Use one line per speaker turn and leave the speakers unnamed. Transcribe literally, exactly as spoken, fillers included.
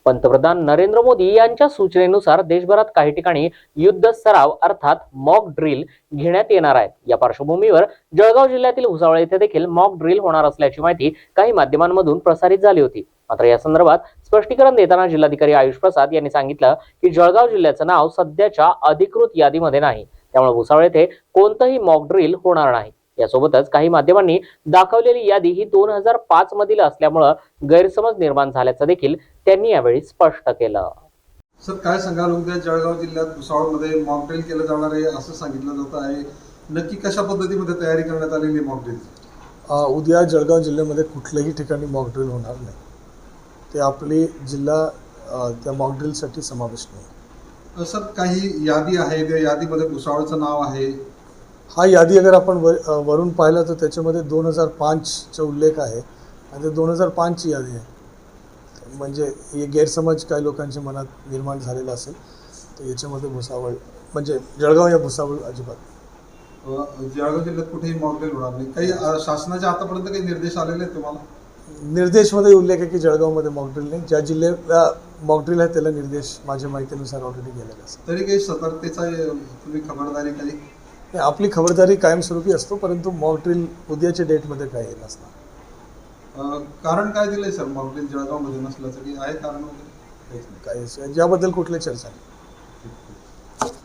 पंतप्रधान नरेंद्र मोदी यांच्या सूचनेनुसार देशभरात काही ठिकाणी युद्ध सराव अर्थात मॉक ड्रिल घेण्यात येणार आहे। या पार्श्वभूमीवर जळगाव जिल्ह्यातील भुसावळ येथे देखील मॉक ड्रिल होणार असल्याची माहिती काही माध्यमांमधून प्रसारित झाली होती। मात्र या संदर्भात स्पष्टीकरण देताना जिल्हाधिकारी आयुष प्रसाद यांनी सांगितलं की जळगाव जिल्ह्याचं नाव सध्याच्या अधिकृत यादीमध्ये नाही, त्यामुळे भुसावळ येथे कोणतंही मॉक ड्रिल होणार नाही। यासोबतच काही माध्यमांनी दाखवलेली यादी ही दोन हजार पाच मधील असल्यामुळे गैरसमज निर्माण झाल्याचं देखील त्यांनी यावेळी स्पष्ट केलं।
सर काय सांगाल, उद्या जळगाव जिल्ह्यात भुसावळमध्ये मॉक ड्रिल केलं जाणार आहे असं सांगितलं जात आहे, नक्की कशा पद्धतीमध्ये तयारी करण्यात आलेली आहे मॉक ड्रिल?
उद्या जळगाव जिल्ह्यामध्ये कुठल्याही ठिकाणी मॉक ड्रिल होणार नाही, ते आपली जिल्हा त्या मॉक ड्रिलसाठी समावेश नाही।
सर काही यादी आहे, त्या यादीमध्ये भुसावळचं नाव आहे।
हा यादी अगर आपण वर वरून पाहिलं तर त्याच्यामध्ये दोन हजार पाचचा उल्लेख आहे आणि ते दोन हजार पाचची यादी आहे, म्हणजे हे गैरसमज काही लोकांच्या मनात निर्माण झालेला असेल तर याच्यामध्ये भुसावळ म्हणजे जळगाव या भुसावळ अजिबात
जळगाव जिल्ह्यात कुठेही मॉक ड्रिल होणार नाही। काही शासनाचे आतापर्यंत काही निर्देश आलेले आहेत तुम्हाला?
निर्देशमध्ये उल्लेख आहे की जळगावमध्ये मॉक ड्रिल नाही, ज्या जिल्ह्यात मॉक ड्रिल आहे त्याला निर्देश माझ्या माहितीनुसार ऑलरेडी गेलेले असतात।
तरी काही सतर्कतेचा तुम्ही खबरदारी काही?
आपली खबरदारी कायमस्वरूपी असतो, परंतु मॉक ड्रिल उद्याच्या डेटमध्ये काही नसणार।
कारण काय दिलंय सर मॉक ड्रिल जळगावमध्ये नसल्याचं, की आहे कारण वगैरे?
काही ज्याबद्दल कुठली चर्चा नाही।